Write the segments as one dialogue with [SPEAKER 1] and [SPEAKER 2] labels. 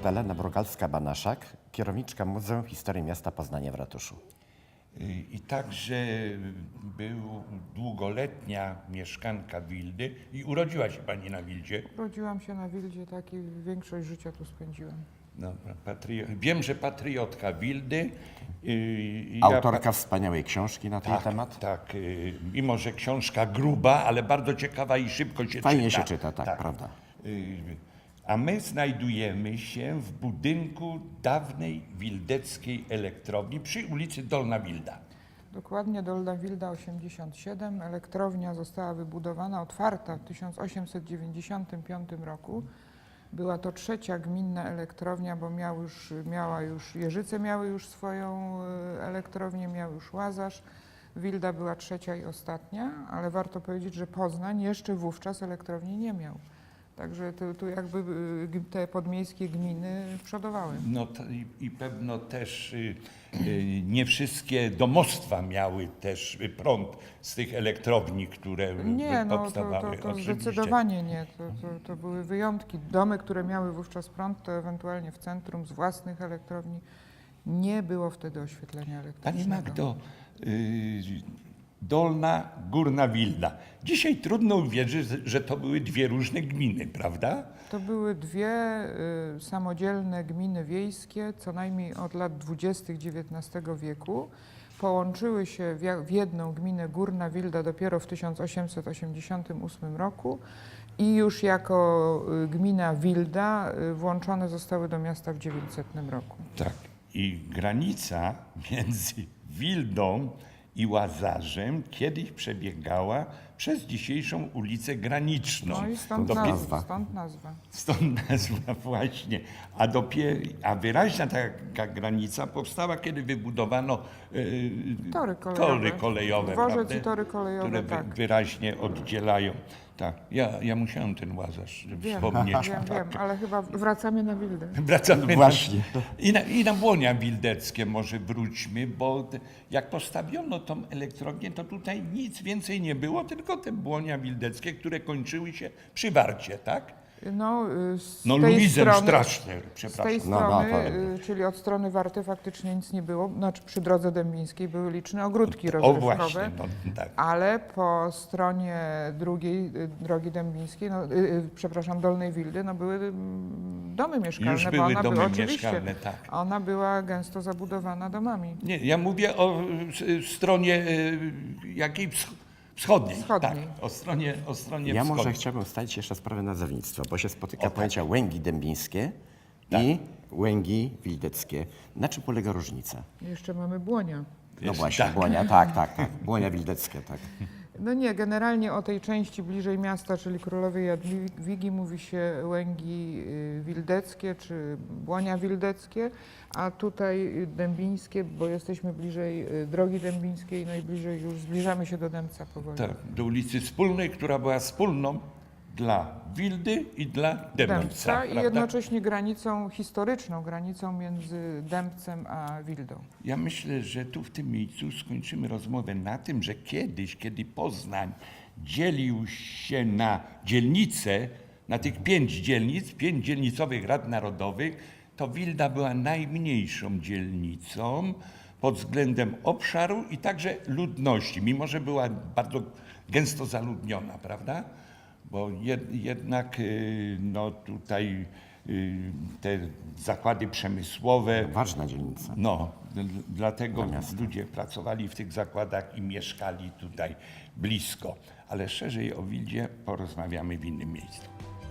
[SPEAKER 1] Magdalena Brugalska-Banaszak, kierowniczka Muzeum Historii Miasta Poznania w ratuszu.
[SPEAKER 2] I także był długoletnia mieszkanka Wildy i urodziła się pani na Wildzie.
[SPEAKER 3] Urodziłam się na Wildzie, tak, i większość życia tu spędziłam.
[SPEAKER 2] No, wiem, że patriotka Wildy.
[SPEAKER 1] Autorka wspaniałej książki na ten temat.
[SPEAKER 2] Tak, mimo że książka gruba, ale bardzo ciekawa i szybko się czyta.
[SPEAKER 1] Fajnie się czyta, tak, prawda.
[SPEAKER 2] A my znajdujemy się w budynku dawnej wildeckiej elektrowni przy ulicy Dolna Wilda.
[SPEAKER 3] Dokładnie Dolna Wilda 87. Elektrownia została wybudowana, otwarta w 1895 roku. Była to trzecia gminna elektrownia, bo Jeżyce miały już swoją elektrownię, miał już Łazarz. Wilda była trzecia i ostatnia, ale warto powiedzieć, że Poznań jeszcze wówczas elektrowni nie miał. Także tu jakby te podmiejskie gminy przodowały.
[SPEAKER 2] No i pewno też nie wszystkie domostwa miały też prąd z tych elektrowni, które powstawały.
[SPEAKER 3] To zdecydowanie nie. To były wyjątki. Domy, które miały wówczas prąd, to ewentualnie w centrum z własnych elektrowni. Nie było wtedy oświetlenia elektrycznego.
[SPEAKER 2] Pani Magdo, Dolna, Górna Wilda. Dzisiaj trudno uwierzyć, że to były dwie różne gminy, prawda?
[SPEAKER 3] To były dwie samodzielne gminy wiejskie, co najmniej od lat 20. XIX wieku. Połączyły się w jedną gminę Górna Wilda dopiero w 1888 roku i już jako gmina Wilda włączone zostały do miasta w 900 roku.
[SPEAKER 2] Tak. I granica między Wildą i Łazarzem kiedyś przebiegała przez dzisiejszą ulicę Graniczną.
[SPEAKER 3] No i stąd nazwa.
[SPEAKER 2] Stąd nazwa właśnie. A wyraźna taka granica powstała, kiedy wybudowano tory kolejowe,
[SPEAKER 3] Dworzec i tory kolejowe,
[SPEAKER 2] które
[SPEAKER 3] tak.
[SPEAKER 2] wyraźnie oddzielają. Tak. Ja musiałem ten Łazarz wspomnieć.
[SPEAKER 3] Wiem, ale chyba wracamy na Wildę.
[SPEAKER 2] Wracamy
[SPEAKER 1] Właśnie.
[SPEAKER 2] I na Błonia Wildeckie może wróćmy, bo jak postawiono tą elektrownię, to tutaj nic więcej nie było, tylko te Błonia Wildeckie, które kończyły się przy Warcie, tak?
[SPEAKER 3] Z tej strony, czyli od strony Warty faktycznie nic nie było. Znaczy przy drodze dębińskiej były liczne ogródki rozrywkowe,
[SPEAKER 2] właśnie, tak.
[SPEAKER 3] ale po stronie drugiej drogi dębińskiej, Dolnej Wildy, były domy mieszkalne.
[SPEAKER 2] Już były domy mieszkalne, tak.
[SPEAKER 3] Ona była gęsto zabudowana domami.
[SPEAKER 2] Nie, ja mówię o stronie jakiej wschodniej. Tak, o stronie
[SPEAKER 1] Ja
[SPEAKER 2] wschodniej.
[SPEAKER 1] może chciałbym ustalić jeszcze sprawę nazewnictwa, bo się spotyka pojęcia łęgi dębińskie i łęgi wildeckie. Na czym polega różnica?
[SPEAKER 3] Jeszcze mamy Błonia.
[SPEAKER 1] No właśnie, Błonia, tak. Błonia wildeckie, tak.
[SPEAKER 3] No nie, generalnie o tej części bliżej miasta, czyli Królowej Jadwigi, mówi się łęgi wildeckie czy Błonia wildeckie, a tutaj dębińskie, bo jesteśmy bliżej drogi dębińskiej, no i bliżej już zbliżamy się do Dębca powoli.
[SPEAKER 2] Tak, do ulicy Wspólnej, która była wspólną dla Wildy i dla Dębca.
[SPEAKER 3] I jednocześnie historyczną granicą między Dębcem a Wildą.
[SPEAKER 2] Ja myślę, że tu w tym miejscu skończymy rozmowę na tym, że kiedyś, kiedy Poznań dzielił się na dzielnice, na tych 5 dzielnic, 5 dzielnicowych rad narodowych, to Wilda była najmniejszą dzielnicą pod względem obszaru i także ludności, mimo że była bardzo gęsto zaludniona, prawda? Bo jednak tutaj te zakłady przemysłowe.
[SPEAKER 1] Ważna dzielnica.
[SPEAKER 2] Dlatego ludzie pracowali w tych zakładach i mieszkali tutaj blisko. Ale szerzej o Wildzie porozmawiamy w innym miejscu.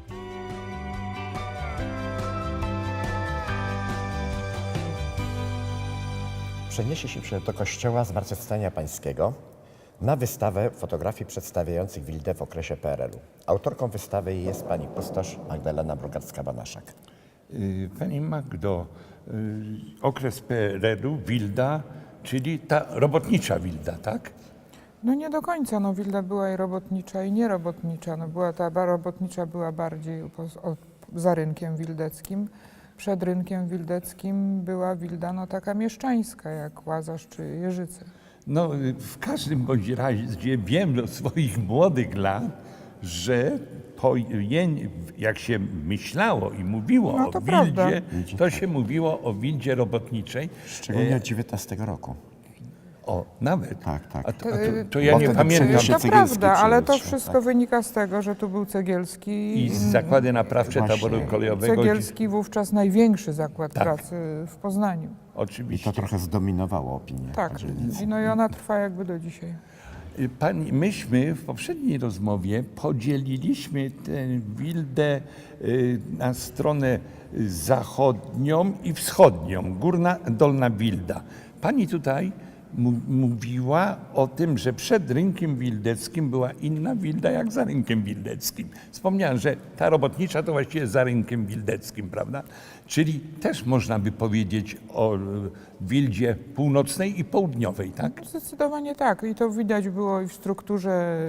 [SPEAKER 1] Przeniesie się do kościoła Zmartwychwstania Pańskiego na wystawę fotografii przedstawiających Wildę w okresie PRL-u. Autorką wystawy jest pani kustosz Magdalena Brugalska-Banaszak.
[SPEAKER 2] Pani Magdo, okres PRL-u, Wilda, czyli ta robotnicza Wilda, tak?
[SPEAKER 3] No nie do końca, Wilda była i robotnicza, i nierobotnicza. Ta robotnicza była bardziej za rynkiem wildeckim. Przed rynkiem wildeckim była Wilda taka mieszczańska, jak Łazarz czy Jeżyce.
[SPEAKER 2] W każdym bądź razie wiem do swoich młodych lat, że jak się myślało i mówiło
[SPEAKER 3] No
[SPEAKER 2] o
[SPEAKER 3] to
[SPEAKER 2] Wildzie,
[SPEAKER 3] prawda.
[SPEAKER 2] to się mówiło o Wildzie robotniczej.
[SPEAKER 1] Szczególnie od 19 roku.
[SPEAKER 2] O, nawet.
[SPEAKER 1] Tak, tak.
[SPEAKER 2] To ja
[SPEAKER 1] Bo
[SPEAKER 2] nie
[SPEAKER 1] wtedy
[SPEAKER 2] pamiętam.
[SPEAKER 1] przeniósł się
[SPEAKER 3] To
[SPEAKER 1] Cegielski
[SPEAKER 3] prawda, ale to
[SPEAKER 1] przyjeżdżał,
[SPEAKER 3] wszystko
[SPEAKER 1] tak.
[SPEAKER 3] wynika z tego, że tu był Cegielski.
[SPEAKER 2] I zakłady naprawcze
[SPEAKER 1] Właśnie.
[SPEAKER 2] taboru kolejowego.
[SPEAKER 3] Cegielski wówczas największy zakład
[SPEAKER 2] Tak.
[SPEAKER 3] pracy w Poznaniu.
[SPEAKER 1] I
[SPEAKER 2] Oczywiście.
[SPEAKER 1] to trochę zdominowało opinię
[SPEAKER 3] Tak,
[SPEAKER 1] dzielnicy.
[SPEAKER 3] no i ona trwa jakby do dzisiaj.
[SPEAKER 2] Myśmy w poprzedniej rozmowie podzieliliśmy tę Wildę na stronę zachodnią i wschodnią, górna, dolna Wilda. Pani tutaj mówiła o tym, że przed rynkiem wildeckim była inna Wilda jak za rynkiem wildeckim. Wspomniałem, że ta robotnicza to właściwie za rynkiem wildeckim, prawda? Czyli też można by powiedzieć o Wildzie północnej i południowej, tak?
[SPEAKER 3] Zdecydowanie tak. I to widać było i w strukturze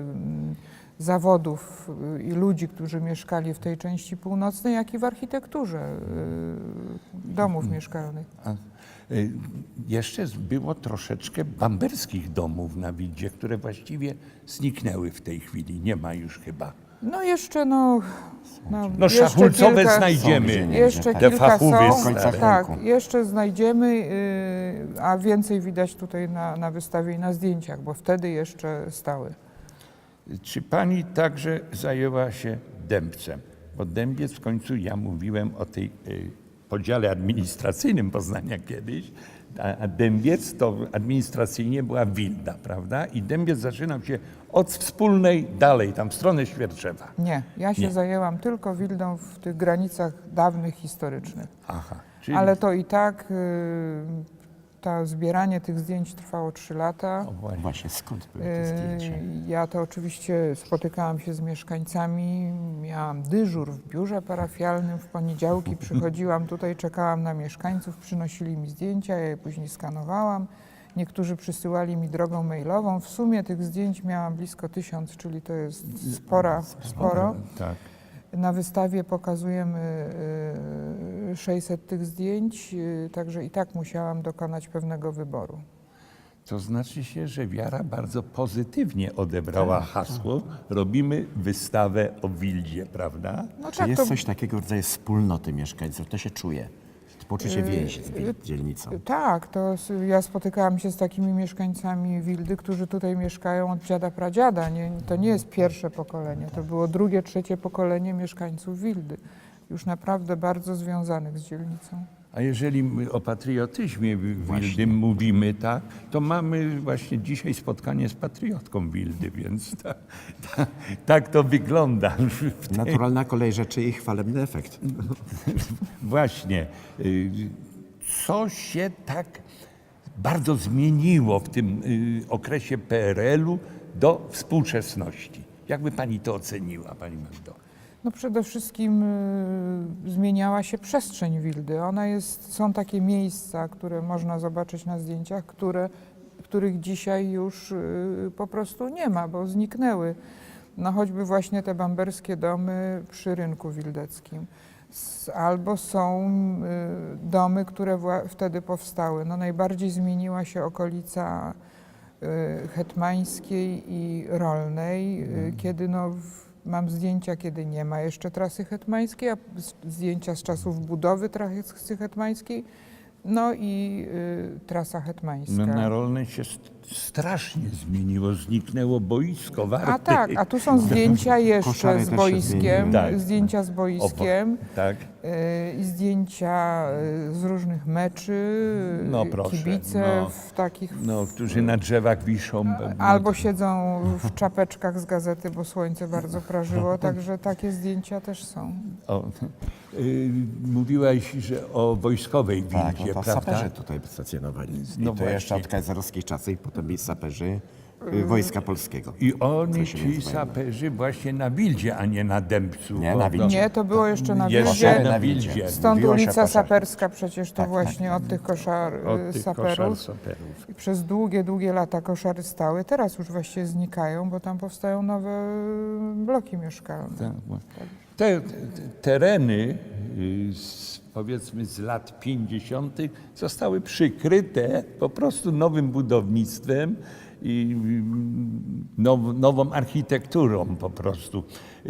[SPEAKER 3] zawodów i ludzi, którzy mieszkali w tej części północnej, jak i w architekturze domów mieszkalnych.
[SPEAKER 2] Jeszcze było troszeczkę bamberskich domów na Wildzie, które właściwie zniknęły w tej chwili. Nie ma już chyba.
[SPEAKER 3] No jeszcze
[SPEAKER 2] No
[SPEAKER 3] jeszcze
[SPEAKER 2] szachulcowe
[SPEAKER 3] kilka-
[SPEAKER 2] znajdziemy.
[SPEAKER 1] Są gdzie
[SPEAKER 3] Jeszcze
[SPEAKER 1] Te
[SPEAKER 3] kilka
[SPEAKER 2] fachowe
[SPEAKER 3] są,
[SPEAKER 1] w końcach
[SPEAKER 3] tak,
[SPEAKER 1] rynku.
[SPEAKER 3] jeszcze znajdziemy, a więcej widać tutaj na wystawie i na zdjęciach, bo wtedy jeszcze stały.
[SPEAKER 2] Czy pani także zajęła się Dębcem? Bo Dębiec w końcu, ja mówiłem o tej podziale administracyjnym Poznania kiedyś, a Dębiec to administracyjnie była Wilda, prawda? I Dębiec zaczynał się od Wspólnej dalej, tam w stronę Świerczewa.
[SPEAKER 3] Nie, ja się
[SPEAKER 2] Nie.
[SPEAKER 3] zajęłam tylko Wildą w tych granicach dawnych, historycznych.
[SPEAKER 2] Aha. Czyli,
[SPEAKER 3] Ale to i tak to zbieranie tych zdjęć trwało 3 lata.
[SPEAKER 2] o, właśnie.
[SPEAKER 1] Właśnie, skąd były te zdjęcia?
[SPEAKER 3] Ja to oczywiście spotykałam się z mieszkańcami, miałam dyżur w biurze parafialnym, w poniedziałki przychodziłam tutaj, czekałam na mieszkańców, przynosili mi zdjęcia, ja je później skanowałam. Niektórzy przysyłali mi drogą mailową. W sumie tych zdjęć miałam blisko 1000, czyli to jest sporo.
[SPEAKER 2] Tak.
[SPEAKER 3] Na wystawie pokazujemy 600 tych zdjęć, także i tak musiałam dokonać pewnego wyboru.
[SPEAKER 2] To znaczy się, że Wiara bardzo pozytywnie odebrała hasło. Robimy wystawę o Wildzie, prawda?
[SPEAKER 3] No
[SPEAKER 1] Czy jest coś takiego w rodzaju wspólnoty mieszkańców? To się czuje. To poczucie więzi z dzielnicą.
[SPEAKER 3] Tak, ja spotykałam się z takimi mieszkańcami Wildy, którzy tutaj mieszkają od dziada pradziada. To nie jest pierwsze pokolenie, to było drugie, trzecie pokolenie mieszkańców Wildy. Już naprawdę bardzo związanych z dzielnicą.
[SPEAKER 2] A jeżeli my o patriotyzmie Wildy mówimy, tak, to mamy właśnie dzisiaj spotkanie z patriotką Wildy, więc tak to wygląda.
[SPEAKER 1] Naturalna kolej rzeczy i chwalebny efekt.
[SPEAKER 2] Właśnie. Co się tak bardzo zmieniło w tym okresie PRL-u do współczesności? Jakby pani to oceniła, pani Magdo?
[SPEAKER 3] No przede wszystkim zmieniała się przestrzeń Wildy. Są takie miejsca, które można zobaczyć na zdjęciach, których dzisiaj już po prostu nie ma, bo zniknęły. No choćby właśnie te bamberskie domy przy rynku wildeckim. Albo są domy, które wtedy powstały. No najbardziej zmieniła się okolica Hetmańskiej i Rolnej, kiedy mam zdjęcia, kiedy nie ma jeszcze trasy hetmańskiej, a zdjęcia z czasów budowy trasy hetmańskiej, no i trasa hetmańska.
[SPEAKER 2] No, na Rolnej się strasznie zmieniło, zniknęło boisko Warty.
[SPEAKER 3] A tak, a tu są zdjęcia jeszcze
[SPEAKER 1] Koszary
[SPEAKER 3] z
[SPEAKER 1] też się
[SPEAKER 3] boiskiem,
[SPEAKER 1] zmieniły.
[SPEAKER 2] Tak.
[SPEAKER 3] zdjęcia z boiskiem
[SPEAKER 2] Tak.
[SPEAKER 3] i zdjęcia z różnych meczy,
[SPEAKER 2] No proszę,
[SPEAKER 3] kibice
[SPEAKER 2] no.
[SPEAKER 3] w takich...
[SPEAKER 2] No, którzy na drzewach wiszą.
[SPEAKER 3] Albo siedzą w czapeczkach z gazety, bo słońce bardzo prażyło, także takie zdjęcia też są.
[SPEAKER 2] O, mówiłaś, że o wojskowej
[SPEAKER 1] Tak,
[SPEAKER 2] Wildzie,
[SPEAKER 1] no to
[SPEAKER 2] prawda?
[SPEAKER 1] saperzy tutaj stacjonowali.
[SPEAKER 2] No
[SPEAKER 1] I to jeszcze
[SPEAKER 2] właśnie.
[SPEAKER 1] od kaiserowskich czasów i potem byli saperzy Wojska Polskiego.
[SPEAKER 2] I oni,
[SPEAKER 1] Co się
[SPEAKER 2] ci
[SPEAKER 1] nazywają?
[SPEAKER 2] saperzy, właśnie na Wildzie, a nie na Dębcu.
[SPEAKER 1] Nie,
[SPEAKER 2] bo-
[SPEAKER 1] na Wildzie.
[SPEAKER 3] Nie, to było jeszcze na
[SPEAKER 2] Jeszcze
[SPEAKER 3] Wildzie.
[SPEAKER 2] na Wildzie.
[SPEAKER 3] Stąd
[SPEAKER 1] Mówiło się o
[SPEAKER 3] ulica
[SPEAKER 1] koszarach.
[SPEAKER 3] Saperska przecież to
[SPEAKER 1] Tak,
[SPEAKER 3] właśnie od tych
[SPEAKER 2] Od tych koszar
[SPEAKER 3] saperów.
[SPEAKER 2] saperów.
[SPEAKER 3] I przez długie lata koszary stały. Teraz już właściwie znikają, bo tam powstają nowe bloki mieszkalne.
[SPEAKER 2] Tak, te tereny, powiedzmy z lat 50., zostały przykryte po prostu nowym budownictwem i nową architekturą po prostu.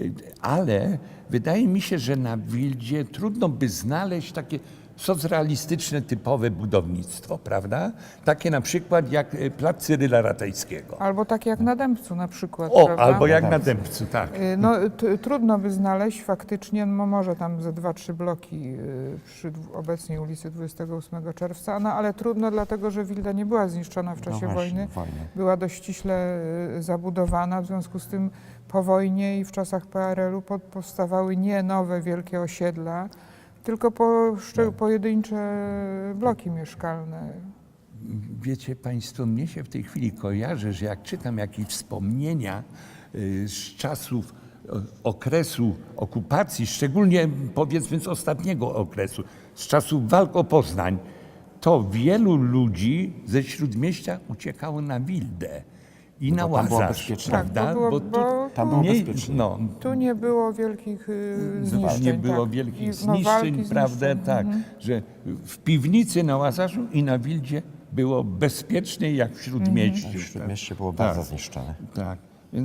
[SPEAKER 2] Ale wydaje mi się, że na Wildzie trudno by znaleźć takie socrealistyczne, typowe budownictwo, prawda? Takie na przykład jak plac Cyryla Ratajskiego.
[SPEAKER 3] Albo tak jak na Dębcu na przykład.
[SPEAKER 2] O,
[SPEAKER 3] prawda?
[SPEAKER 2] albo jak na Dębcu, tak.
[SPEAKER 3] No, trudno by znaleźć faktycznie, no może tam ze 2-3 bloki przy obecnej ulicy 28 czerwca, no ale trudno dlatego, że Wilda nie była zniszczona w czasie wojny. Była dość ściśle zabudowana, w związku z tym po wojnie i w czasach PRL-u powstawały nie nowe wielkie osiedla, tylko pojedyncze bloki mieszkalne.
[SPEAKER 2] Wiecie Państwo, mnie się w tej chwili kojarzy, że jak czytam jakieś wspomnienia z czasów okresu okupacji, szczególnie powiedzmy z ostatniego okresu, z czasów walk o Poznań, to wielu ludzi ze Śródmieścia uciekało na Wildę i na
[SPEAKER 1] tam było
[SPEAKER 2] Łazarz,
[SPEAKER 1] bezpiecznie.
[SPEAKER 2] prawda?
[SPEAKER 3] Tak, bo
[SPEAKER 1] tam było
[SPEAKER 2] nie-
[SPEAKER 1] bezpiecznie.
[SPEAKER 2] no,
[SPEAKER 3] tu nie było wielkich zniszczeń.
[SPEAKER 2] nie było
[SPEAKER 3] tak.
[SPEAKER 2] wielkich
[SPEAKER 3] I,
[SPEAKER 2] zniszczeń,
[SPEAKER 3] walki,
[SPEAKER 2] prawda?
[SPEAKER 3] zniszczeń.
[SPEAKER 2] Tak, że w piwnicy na Łazarzu i na Wildzie było bezpiecznie jak w Śródmieściu.
[SPEAKER 1] W Śródmieście było
[SPEAKER 2] Tak.
[SPEAKER 1] bardzo zniszczone.
[SPEAKER 2] Tak.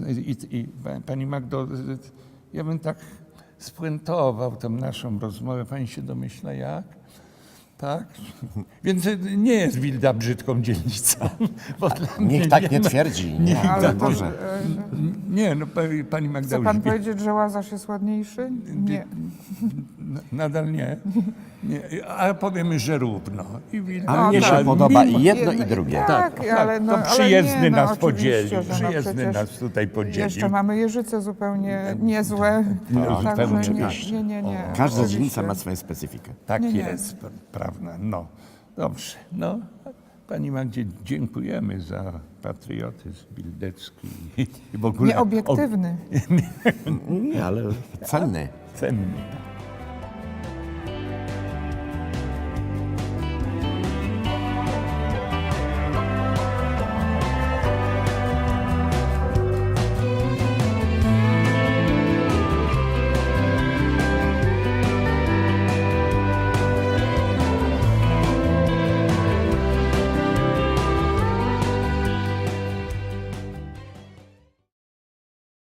[SPEAKER 2] I Pani Magdo, ja bym tak spuentował tą naszą rozmowę. Pani się domyśla jak? Tak? Więc nie jest Wilda brzydką dzielnicą. Bo dla mnie
[SPEAKER 1] Niech tak nie
[SPEAKER 2] ma-
[SPEAKER 1] twierdzi. Nie,
[SPEAKER 3] Ale to,
[SPEAKER 1] Boże.
[SPEAKER 2] Nie, no Pani Magda
[SPEAKER 3] chce
[SPEAKER 2] już
[SPEAKER 3] pan
[SPEAKER 2] wie.
[SPEAKER 3] powiedzieć, że Łazarz jest ładniejszy? Nie.
[SPEAKER 2] Nadal nie. Nie. A powiemy, że równo. I Wilda,
[SPEAKER 1] A mnie się
[SPEAKER 3] tak.
[SPEAKER 1] podoba i
[SPEAKER 3] Mimo-
[SPEAKER 1] jedno i drugie.
[SPEAKER 3] Tak, ale no,
[SPEAKER 2] to
[SPEAKER 3] ale
[SPEAKER 2] przyjezdny
[SPEAKER 3] nie, no,
[SPEAKER 2] nas
[SPEAKER 3] oczywiście,
[SPEAKER 2] podzielił.
[SPEAKER 3] że no
[SPEAKER 2] Przyjezdny
[SPEAKER 3] przecież
[SPEAKER 2] nas tutaj podzielił.
[SPEAKER 3] Jeszcze mamy Jeżyce zupełnie niezłe.
[SPEAKER 1] No,
[SPEAKER 3] Także
[SPEAKER 1] oczywiście.
[SPEAKER 3] nie.
[SPEAKER 1] Każda
[SPEAKER 3] oczywiście.
[SPEAKER 1] dzielnica ma swoją specyfikę.
[SPEAKER 2] Tak
[SPEAKER 3] Nie, nie.
[SPEAKER 2] jest, prawda. No, dobrze. No, Pani Magdzie dziękujemy za patriotyzm wildecki i w ogóle
[SPEAKER 3] Nieobiektywny.
[SPEAKER 1] Nie, ale cenny.
[SPEAKER 2] cenny.